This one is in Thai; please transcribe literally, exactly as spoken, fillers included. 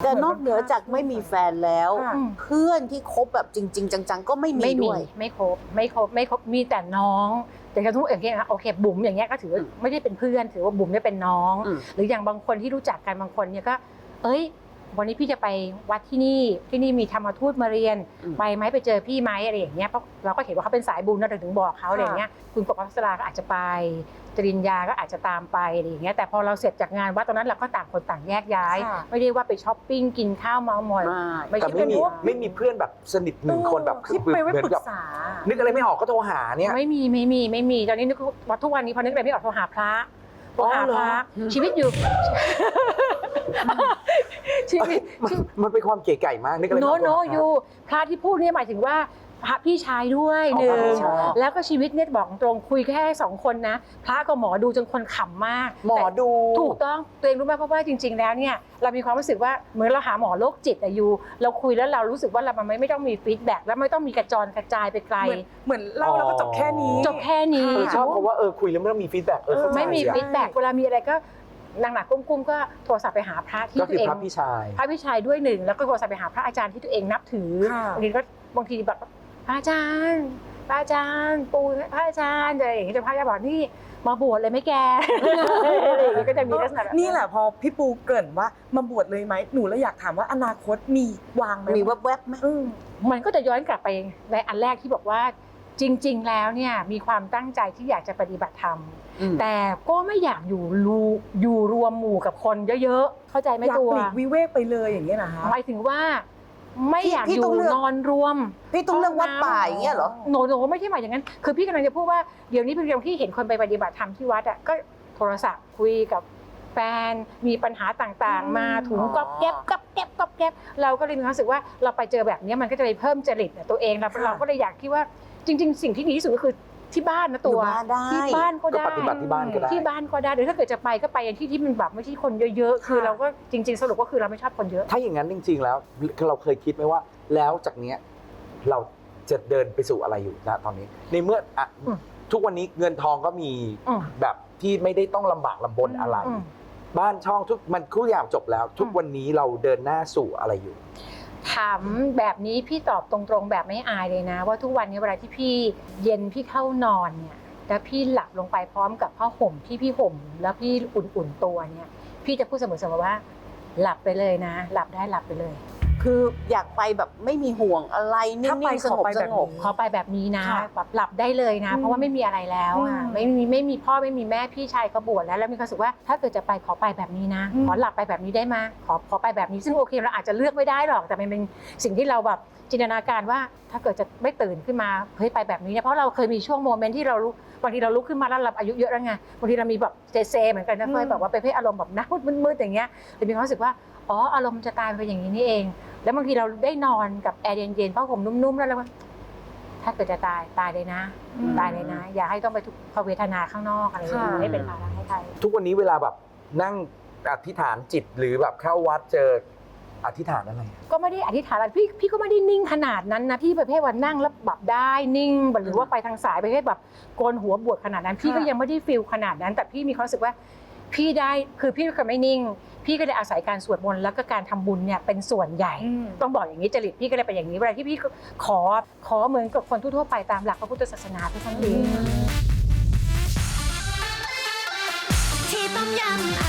แต่นอกเหนือจากไม่มีแฟนแล้ว เพื่อนที่คบแบบจริง ๆ จังๆก็ไม่มีด้วยไม่ครบไม่ครบไม่ครบมีแต่น้องแต่กระทุกอย่างเงี้ยนะโอเคบุ๋มอย่างเงี้ยก็ถือไม่ได้เป็นเพื่อนถือว่าบุ๋มเนี่ยเป็นน้องหรืออย่างบางคนที่รู้จักกันบางคนเนี่ยก็เอ้ยวันนี้พี่จะไปวัดที่นี่ที่นี่มีธรรมทูตมาเรียนไปไหมไปเจอพี่ไหมอะไรอย่างเงี้ยเพราะเราก็เห็นว่าเขาเป็นสายบุญนะถึงบอกเขาอะไรอย่างเงี้ยคุณกบพัสราก็อาจจะไปจริญญาก็อาจจะตามไปอะไรอย่างเงี้ยแต่พอเราเสร็จจากงานวัดตอนนั้นเราก็ต่างคนต่างแยกย้ายไม่ได้ว่าไปช้อปปิ้งกินข้าวเมามอยแต่ไม่มีไม่มีเพื่อนแบบสนิทหนึ่งคนแบบที่ไปไว้ปรึกษานึกอะไรไม่ออกก็โทรหาเนี่ยไม่มีไม่มีไม่มีตอนนี้นึกว่าทุกวันนี้พอนึกอะไรไม่ออกโทรหาพระโทรหาพระชีวิตอยู่ชีวิตมันเป็นความเก๋ไก่มากนึกอะไรไม่ออกโนโนอยู่พระที่พูดเนี่ยหมายถึงว่าพระพี่ชายด้วยหนึ่งแล้วก็ชีวิตเนี่ยบอกตรงคุยแค่สองคนนะพระกับหมอดูจนคนขำมากหมอดูถูกต้องตัวเองรู้ไหมเพราะว่าจริงๆแล้วเนี่ยเรามีความรู้สึกว่าเหมือนเราหาหมอโรคจิตอะอยู่เราคุยแล้วเรารู้สึกว่าเรามันไม่ต้องมีฟีดแบ็กแล้วไม่ต้องมีกระจรกระจายไปไกลเหมือนเล่าแล้วก็จบแค่นี้จบแค่นี้ชอบเพราะว่าเออคุยแล้วไม่ต้องมีฟีดแบ็กเออไม่มีฟีดแบ็กเวลามีอะไรก็นางหนักกุ้มๆก็โทรศัพท์ไปหาพระที่ตัวเองพระพี่ชายพระพี่ชายด้วยหนึ่งแล้วก็โทรศัพท์ไปหาพระอาจารย์ที่ตัวเองนับถือบางทีก็บางทีแบบพระอาจารย์พระอาจารย์ปู่พระอาจารย์อะไรอย่างเงี้ยจะพระอาจารย์บอกนี่มาบวชเลยไหมแกอะไรอย่างเงี้ยก็จะมีลักษณะแบบนี่แหละพอพี่ปูเกริ่นว่ามาบวชเลยไหมหนูเลยอยากถามว่าอนาคตมีวางไหมมีแวบๆไหมมันก็จะย้อนกลับไปในอันแรกที่บอกว่าจริงๆแล้วเนี่ยมีความตั้งใจที่อยากจะปฏิบัติธรรมแต่ก็ไม่อยากอยู่รูอยู่รวมหมู่กับคนเยอะๆเข้าใจไหมตัวอยากปลีกวิเวกไปเลยอย่างเงี้ยนะคะหมายถึงว่าไม่อยากอยู่นอนรวมพี่ต้องเลือกวัดป่าอย่างเงี้ยเหรอโนโนไม่ใช่หมายอย่างนั้นคือพี่กำลังจะพูดว่าเดี๋ยวนี้เป็นเรื่องที่เห็นคนไปปฏิบัติธรรมที่วัดอ่ะก็โทรศัพท์คุยกับแฟนมีปัญหาต่างๆมาถุงก๊อบแก๊บก๊อบแก๊บก๊อบแก๊บเราก็เลยมีความรู้สึกว่าเราไปเจอแบบนี้มันก็จะไปเพิ่มจริตตัวเองเราเราก็เลยอยากคิดว่าจริงๆสิ่งที่ดีที่สุดก็คือที่บ้านนะตัวที่บ้านก็ได้ปฏิบัติที่บ้านก็ได้ที่บ้านก็ได้หรือถ้าเกิดจะไปก็ไปในที่ที่มันแบบไม่ใช่คนเยอะๆคือเราก็จริงๆสรุปก็คือเราไม่ชอบคนเยอะถ้าอย่างนั้นจริงๆแล้วเราเคยคิดไหมว่าแล้วจากเนี้ยเราจะเดินไปสู่อะไรอยู่ณตอนนี้ในเมื่ออะทุกวันนี้เงินทองก็มีแบบที่ไม่ได้ต้องลำบากลำบนอะไรบ้านช่องทุกมันทุกอย่างจบแล้วทุกวันนี้เราเดินหน้าสู่อะไรอยู่ถามแบบนี้พี่ตอบตรงๆแบบไม่อายเลยนะว่าทุกวันนี้เวลาที่พี่เย็นพี่เข้านอนเนี่ยแล้วพี่หลับลงไปพร้อมกับผ้าห่มที่พี่ห่มแล้วพี่อุ่นๆตัวเนี่ยพี่จะพูดเสมอๆว่าหลับไปเลยนะหลับได้หลับไปเลยคืออยากไปแบบไม่มีห่วงอะไรนิ่งๆสงบสงบขอไปแบบนี้นะแบบหลับได้เลยนะเพราะว่าไม่มีอะไรแล้วอ่ะไม่มีไม่มีพ่อไม่มีแม่พี่ชายก็บวชแล้วแล้วมีความรู้สึกว่าถ้าเกิดจะไปขอไปแบบนี้นะขอหลับไปแบบนี้ได้ไหมขอขอไปแบบนี้ซึ่งโอเคเราอาจจะเลือกไม่ได้หรอกแต่มันเป็นสิ่งที่เราแบบจินตนาการว่าถ้าเกิดจะไม่ตื่นขึ้นมาเฮ้ยไปแบบนี้เนี่ยเพราะเราเคยมีช่วงโมเมนต์ที่เรารู้บางทีเราลุกขึ้นมาแล้วเราอายุเยอะแล้วไงบางทีเรามีแบบเซเซเหมือนกันนะเคยแบบว่าไปเพศอารมณ์แบบน้ำมืดๆอย่างเงี้ยแต่มีความรู้สึกว่าอ๋ออารมณ์จะตายไปอย่างนี้นี่เองแล้วบางทีเราได้นอนกับแอร์เย็นๆผ้าห่มนุ่มๆแล้วเราก็ถ้าเกิดจะตายตายเลยนะตายเลยนะอย่าให้ต้องไปทุกขเวทนาข้างนอกอะไรอย่างเงี้ยไม่เป็นภาระให้ใครทุกวันนี้เวลาแบบนั่งอธิษฐานจิตหรือแบบเข้าวัดเจออธิษฐานอะไรก็ไม่ได้อธิษฐานอะไรพี่พี่ก็ไม่ได้นิ่งขนาดนั้นนะพี่ประเภทว่านั่งแล้วแบบได้นิ่งหรือว่าไปทางสายประเภทแบบโกนหัวบวชขนาดนั้นพี่ก็ยังไม่ได้ฟีลขนาดนั้นแต่พี่มีความรู้สึกว่าพี่ได้คือพี่ก็ไม่นิ่งพี่ก็เลยอาศัยการสวดมนต์แล้วก็การทำบุญเนี่ยเป็นส่วนใหญ่ต้องบอกอย่างนี้จริตพี่ก็เลยเป็นอย่างนี้เวลาที่พี่ขอขอเหมือนกับคนทั่วๆไปตามหลักพระพุทธศาสนาทุกครั้งนี้ที่ต้มยำ